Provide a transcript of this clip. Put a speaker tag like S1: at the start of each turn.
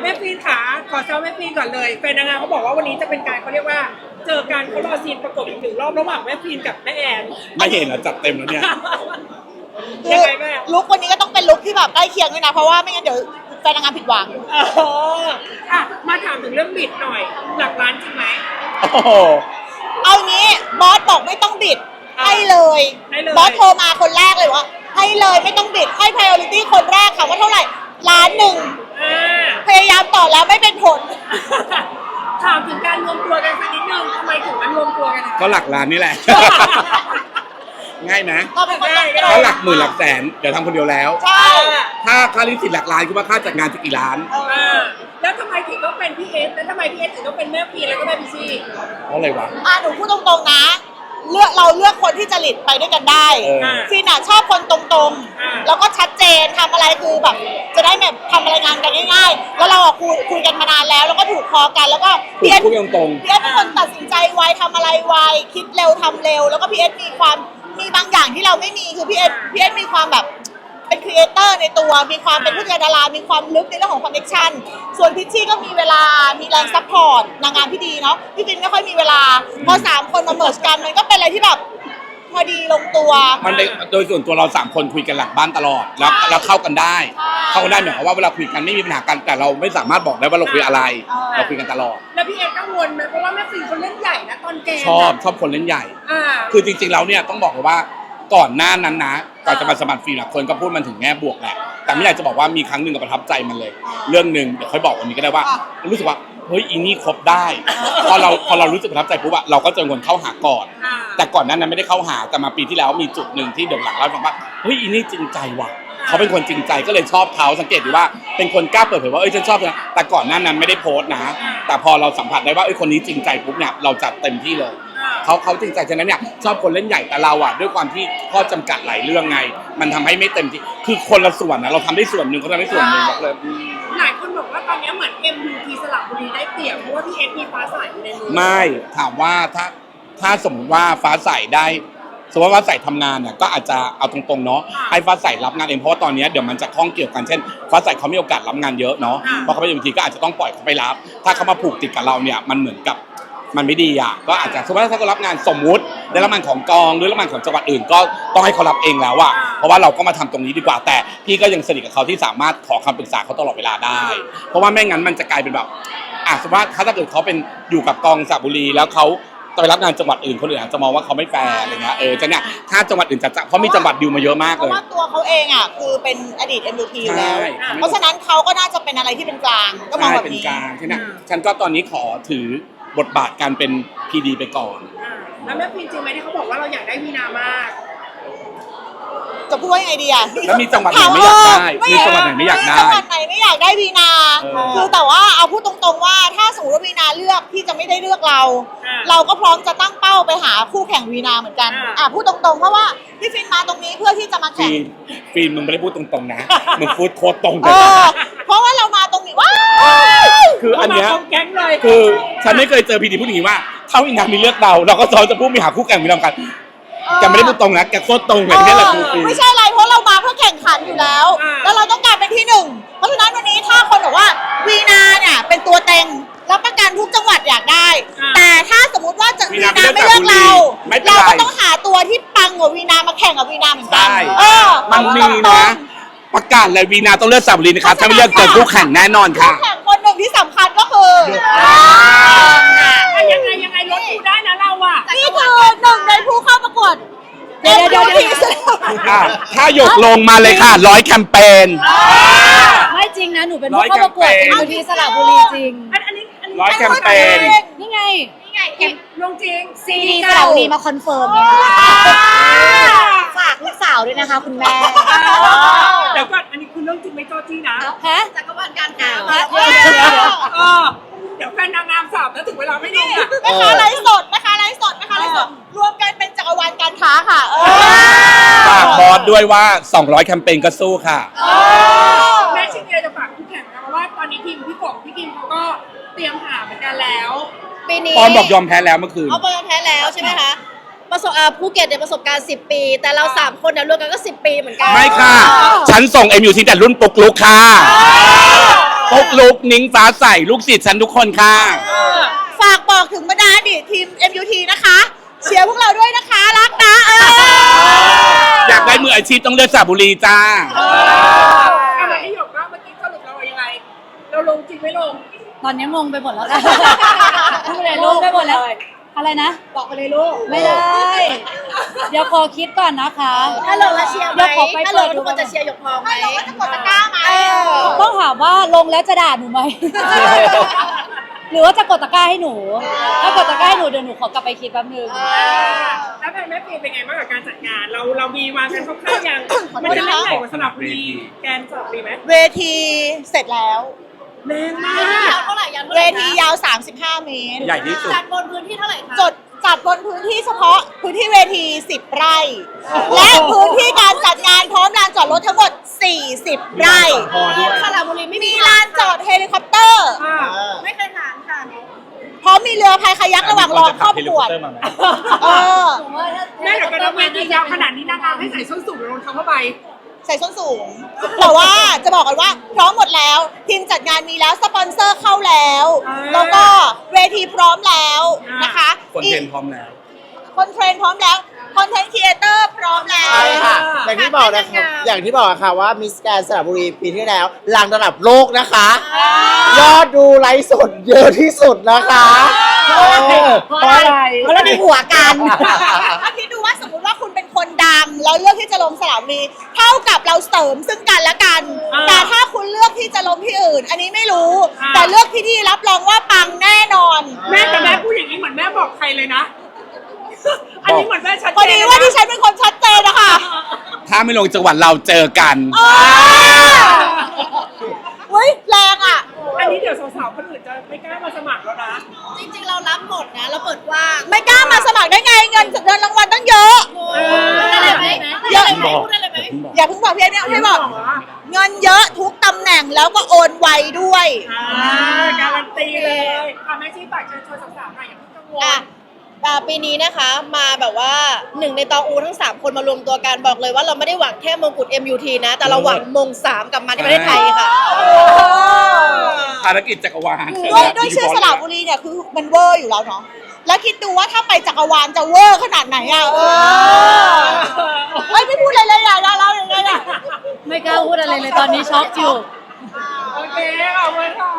S1: แม่ฟีนขาขอแซวแม่ฟีนก่อนเลยแฟนนางงามเขาบอกว่าวันนี้จะเป็นการเขาเรียกว่าเจอกันเขารอซีนประกบอีกหนึ่งรอบระหว่างแม่ฟีนกับแม่แอน
S2: ไม่เห็นนะจัดเต็มแล้วเนี่ย
S1: ยังไงแม่
S3: ลุควันนี้ก็ต้องเป็นลุคที่แบบใกล้เคียงด้วยนะเพราะว่าไม่งั้นเดี๋ยวแฟนนางงามผิดหวัง
S1: อ่ะมาถามถึงเรื่องบิดหน่อยหลักล้านจริงไหม
S2: โอ้โห
S3: เอางี้บอสบอกไม่ต้องบิดให้เลยบอสโทรมาคนแรกเลยว่าให้เลยไม่ต้องบิดให้ priority คนแรกค่ะว่าเท่าไหร่ล้านหนึ่ง
S1: อ่า
S3: พยายามต่อแล้วไม่เป็นผล
S1: ถามถึงการรวมตัวกันสักนิดนึงทำไมถึงมันรวมตัวกัน
S2: ก็หลักล้านนี่แหละ ง่ายไหม
S3: ก็เป็นคนตั้งใจ
S2: ก็หลักหมื่นหลักแสนเดี๋ยวทำคนเดียวแล้ว
S3: ใช่
S2: ถ้าค่าลิขสิทธิ์หลักล้านคิดว่าค่าจัดงานจะกี่ล้าน
S1: แล้วทำไมถึงต้องเป็นพี่เอสแล้วทำไมพี่เอสถึงต้องเป็นแม่ฟีนแล้วก็แม่พิชี่
S2: เพราะอะไรวะ
S3: หนูพูดตรงๆนะเราเลือกคนที่จริตไปด้วยกันได้
S2: เออ
S3: ฟินชอบคนตรงๆแล้วก็ชัดเจนทำอะไรคือแบบจะได้แบบทำอะไรงานกันง่ายๆแล้วเราคุยกันมานานแล้วก็ถูกคอกันแล้วก็
S2: พูดคุยตรง
S3: พี่เอสเป็นคนตัดสินใจไวทำอะไรไวคิดเร็วทำเร็วแล้วก็พี่เอสมีบางอย่างที่เราไม่มีคือพี่เอสมีความแบบเป็นครีเอเตอร์ในตัวมีความเป็นผู้จัดการดารามีความลึกในเรื่องของคอนเนคชั่นส่วนพิชชี่ก็มีเวลามีแรงซัพพอร์ตนางงามที่ดีเนาะพี่ฟินไม่ค่อยมีเวลาพอ3คนมาเมิร์จกันมันก็เป็นอะไรที่แบบพอดีลงตัว
S2: ๆมันโดยส่วนตัวเรา3คนคุยกันหลังบ้านตลอดแล้วเข้ากันได้เข้ากันได้หมายความว่าเวลาคุยกันไม่มีปัญหากันแต่เราไม่สามารถบอกได้ว่าเราคุยอะไร เราคุยกันตลอด
S1: แล้วพี่เอสกังวลไหมเพราะว่าแม่ฟีนเขาเล่นใหญ่นะตอนเกม
S2: ชอบคนเล่นใหญ่
S1: อ่า
S2: คือจริงๆแล้วเนี่ยต้องบอกเลยว่าก่อนหน้านั้นนะก่อนจะมาสมัครฟรีนะคนก็พูดมันถึงแง่บวกแหละแต่ไม่อยากจะบอกว่ามีครั้งหนึ่งกับประทับใจมันเลย เรื่องหนึ่งเดี๋ยวค่อยบอกวันนี้ก็ได้ว่ารู้สึกว่าเฮ้ยอีนี่ครบได้พอเรารู้สึกประทับใจปุ๊บอะเราก็เจอคนเข้าหาก่อน แต่ก่อนหนั้นไม่ได้เข้าหาแต่มาปีที่แล้วมีจุดหนึ่งที่เดี๋ยวหลังเล่าให้ฟังว่าเฮ้ยอีนี่จริงใจว่ะเขาเป็นคนจริงใจก็เลยชอบเขาสังเกตดูว่าเป็นคนกล้าเปิดเผยว่าฉันชอบนะแต่ก่อนหน้านั้นไม่ได้โพสต์นะแต่พอเราสัมผัสได้ว่าคนนี้จริงใจปุ๊บเนี่ยเราจัดเต็มที่เลยเขาจริงใจฉะนั้นเนี่ยชอบคนเล่นใหญ่แต่เราอ่ะด้วยความที่ข้อจำกัดหลายเรื่องไงมันทำให้ไม่เต็มที่คือคนละส่วนนะเราทำได้ส่วนหนึ่งเขาทำได้ส่วนหนึ่งบอกเลย
S1: หลายคนบอกว่าตอนนี้เหมือน MUT สระบุรีได้เปรียบเพราะว่าพี่เอสมีฟ้าใสอยู่ในมือ
S2: ไม่ถามว่าถ้าสมมติว่าฟ้าใสได้สมมติว่าฟ้าใสทำงานเนี่ยก็อาจจะเอาตรงๆเนาะให้ฟ้าใสรับงานเองเพราะว่าตอนนี้เดี๋ยวมันจะข้องเกี่ยวกันเช่นฟ้าใสเขามีโอกาสรับงานเยอะเนาะเพราะเขาไปบางทีก็อาจจะต้องปล่อยเขาไปรับถ้าเขามาผูกติดกับเราเนี่ยมันเหมือนกับมันไม่ดีอ่ะก็อาจจะสมมติว่าถ้าเขารับงานสมมุติได้รับงานของกองหรือรับงานของจังหวัดอื่นก็ต้องให้เขารับเองแล้วอ่ะเพราะว่าเราก็มาทำตรงนี้ดีกว่าแต่พี่ก็ยังสนิทกับเขาที่สามารถขอคำปรึกษาเขาตลอดเวลาได้เพราะว่าไม่งั้นมันจะกลายเป็นแบบสมมติว่าถ้าเกิดเขาเป็นอยู่กับกองสระบุรีแล้วเขาไปรับงานจังหวัดอื่นคนอื่นอาจจะมองว่าเขาไม่แฟร์อะไรเงี้ยจะเนี่ยถ้าจังหวัดอื่นจะเพราะมีจังหวัดดิวมาเยอะมาก
S3: เพ
S2: เลย
S3: ราะว่าตัวเขาเองคือเป็นอดีต MUT อยู่แล้ว
S2: ใช่
S3: เพราะฉะนั้นเขาก็น่าจะเป็นอะไรที่เป็นกลางก็มอง
S2: ใช่
S3: แบบ
S2: เป็น
S3: นี้
S2: กลางใช่ไหมฉันก็ตอนนี้ขอถือบทบาทการเป็น PD ไปก่อน
S1: แล้วแม่ฟีนจริงไหมที่เขาบอกว่าเราอยากได้วีนามาก
S3: จะพูดว่ายังไงดีอ่ะ
S2: แล้วมีจังหวัดไหนไม่อยากได้มีจังหวัดไหนไม่อยากได้
S3: จังหวัดไหนไม่อยากได้วีนา คือแต่ว่าเอาพูดตรงๆว่าถ้าสมมติว่าวีนาเลือกที่จะไม่ได้เลือกเรา เราก็พร้อมจะตั้งเป้าไปหาคู่แข่งวีนาเหมือนกันพูดตรงๆเพราะว่าพี่ฟินมาตรงนี้เพื่อที่จะมาแข่ง
S2: ฟีนมึงไม่ได้พูดตรงๆนะมึงพูดโคตรตรงเล
S3: เอย เพราะว่าเรามาตรงนี้ว้าว
S2: คืออันเนี้ย
S1: แก๊งเลย
S2: คือฉันไม่เคยเจอ PD พูดอย่างนี้ว่าถ้าวินามีเลือกเราก็ซ้อนจะพูดมีหาคู่แข่งมีนำกันแกไม่ได้พูดตรงนะแกโคตรตรงเลยนี่แหละคือฟีน
S3: ไม่ใช่อะไรเพราะเรามาเพื่อแข่งขันอยู่แล้ว แล้วเราต้องการเป็นที่หนึ่งเพราะฉะนั้นวันนี้ถ้าคนบอกว่าวีนาเนี่ยเป็นตัวเต็งรับประกันทุกจังหวัดอยากได้ แต่ถ้าสมมติว่าวีนาไม่เลือกเราเราก็ต้องหาตัวที่ปังกว่าวีนามาแข่งกับวีนาเหมือนกัน
S2: มันมีนะประกาศเลยวีนาต้องเลือกสระบุรีนะครับถ้าไม่เลือกเจอคู่แข่งแน่นอนค่ะ
S3: คู่แข่งคนหนึ่งที่สำคัญก็คือ
S1: ยังไงรถกูได้นะเราอ่ะ
S3: นี่คือหนึ่งในผู้เข้าประกวดเดี๋ยว
S2: ถ้าหยกลงมาเลยค่ะ100 แคมเปญ
S4: ไม่จริงนะหนูเป็นผู้เข้าประกวดMUT สระบุรีจริง
S2: 100 แคมเปญ
S4: นี่ไง
S1: ลงจริง
S4: CD สระบุรีมาคอนเฟิร์มฝากลูกสาวด้วยนะคะคุณแม่
S1: เดี๋ยวก่อนอันนี้คือเรื่องจริงไม่โจจี้นะ
S4: ฮะ
S3: จักรวาลการข่าว
S1: เดี๋ยวแฟนนางงามสามแล้วถึงเวลาไม่ลงอ่ะ
S3: แม่ค้าไลฟ์สดรวมกันเป็นจักรวาลการค้าค่ะ
S2: ฝากบอสด้วยว่า200 แคมเปญก็สู้ค่ะ
S1: แม่ชิเนียจะฝากคู่แข่งนะเพราะว่าตอนนี้ทีมพี่กบพี่กิมเขาก็เตรียมหาเหมือนกันแล้ว
S4: ปีนี้
S2: ปอนบอกยอมแพ้แล้วเมื่อคืน
S4: ยอมแพ้แล้วใช่ไหมคะภูเก็ตเนี่ยประสบการณ์10 ปีแต่เรา3คนเนี่ยรวมกันก็10 ปีเหมือนกัน
S2: ไม่ค่ะฉันส่ง MUT แต่รุ่นปุกลุกค่ะปุ๊กลุกนิ้งฟ้าใสลูกศิษย์ฉันทุกคนค่ะ
S3: ฝากบอกถึงบรรดาอดีตทีม MUT นะคะ เชียร์พวกเราด้วยนะคะ รักนะ
S2: อยากได้มืออาชีพต้องเลือกสระบุรีจ้า
S1: อะไรที่หยกว่าเมื่อกี้สรุปเรายังไง เราลงจริงไม่ลง
S4: ตอนนี้งงไปหมดแล้วค่ะพูดไปเลยลูกไปหมดแล้ว อะไรนะ
S1: บอกไปเลยลูก
S4: ไม่ได้ เดี๋ยวขอคิดก่อนนะคะ
S3: ถ้าลงแล้วเชียร์ไหม
S4: ดี๋วขอไป
S3: ถ้าล
S4: เปิ
S3: ง
S4: ด
S3: ทุกคนจะเชียร์หยกทองไหมถ้าลงแล้วจะกดตะกร้าไหม
S4: ต้องถามว่าลงแล้วจะด่าหนูไหม หรือว่าจะกดตะกร้าให้หนู ถ้ากดตะกร้าให้หนูเดี๋ยวหนูขอกลับไปคิดแป๊บนึง
S1: แล้วแม่ปีเป็นไงบ้างกับการจัดงาน เรามีวางกันคร่าวๆยังมันจะเล่นใหญ่กว่าสลับบุรีแกนสลับบุรีไหม
S3: เวทีเสร็จแล้ว
S1: แน่นมาก
S3: ยาวเท่าไหร่เวทียาว 35 เมตร
S2: ใหญ่ที่สุด
S3: จัดบนพื้นที่เท่าไหร่คะจัดบนพื้นที่เฉพาะพื้นที่เวที 10 ไร่ และพื้นที่การจัดงานพร้อมลานจอดรถทั้งหมด 40 ไร่
S2: พอด้วย
S3: สระบุรีไม่มีลานจอดเฮลิคอปเตอร์ ไม่เคยถามค่ะ พร้อมมีเรือพายคายักระหว่างรอครอบครัวเออ
S1: แม่เดี๋ยวกันนะเวทียาวขนาดนี้นะคะให้ใส่ส้นสูงหรือรองเท้าผ้าใบ
S3: ใส่ส้นสูง แต่ว่าจะบอกกันว่าพร้อมหมดแล้ว ทีมจัดงานมีแล้ว สปอนเซอร์เข้าแล้ว แล้วก็เวทีพร้อมแล้วนะคะ
S2: คนเทรนพร้อมแล้ว
S3: คนเทรนพร้อมแล้ว คอนเทนต์ครีเอเตอร์พร้อมแล้ว
S5: ใช่ค่ะ อย่างที่บอกนะครับ อย่างที่บอกอะค่ะว่ามิสแกรนด์สระบุรีปีที่แล้วหลังระดับโลกนะคะ ยอดดูไลฟ์สดเยอะที่สุดนะคะเพราะอะไร
S3: เพราะเรามีหัวกันถ้าคิดดูว่าสมมติว่าคุณเป็นคนดัง แล้วเลือกที่จะลงสระบุรีเท่ากับเราเสริมซึ่งกันและกัน แต่ถ้าคุณเลือกที่จะลงที่อื่น อันนี้ไม่รู้ แต่เลือกที่นี่รับรองว่าปังแน่นอน
S1: แม่แต่แม่พูดอย่างนี้เหมือนแม่บอกใครเลยนะ อันนี้เหมือนแม่ชัดเจน
S3: พอดีว่าที่ฉันเป็นคนชัดเจนนะคะ
S2: ถ้าไม่ลงจังหวัดเราเจอกัน
S3: เฮ้ยแรงอ่ะ
S1: อันนี้เดี๋ยวสาวๆคนอื่นจะไม่กล้ามาสมัครแล้วนะ
S3: จริงๆเรารับหมดนะเราเปิดกว้างไม่กล้ามาสมัครได้ไงเงินรางวัลตั้งเยอะ
S1: อะไรไหม
S3: เยอะไหมพูดอะไรไหมอย่าเพิ่งบอกพี่เนี่ยให้บอกเงินเยอะทุกตำแหน่งแล้วก็โอนไวด้วย
S1: การันตีเลยแม่ชี้ปากเชิญชวนสาวๆหน่อยอย่าเพิ่งกังวล
S6: ปีนี้นะคะมาแบบว่าหนึ่งในตองอูทั้ง 3 คนมารวมตัวกันบอกเลยว่าเราไม่ได้หวังแค่มงกุฎ MUT นะ แต่เราหวังมง 3 กลับมาที่ประเทศไทยค่ะ
S2: ภารกิจจักรวาล
S3: ด้วยชื่อสระบุรีเนี่ยคือมันเวอร์อยู่แล้วเนาะแล้วคิดดูว่าถ้าไปจักรวาลจะเวอร์ขนาดไหนอ่ะไม่พูดอะไรเลยอ่ะเราอย่างไรอ่ะ
S4: ไม่กล้าพูดอะไรเลยตอนนี้ช็อกอยู่
S1: โอเคขอบคุณค่ะ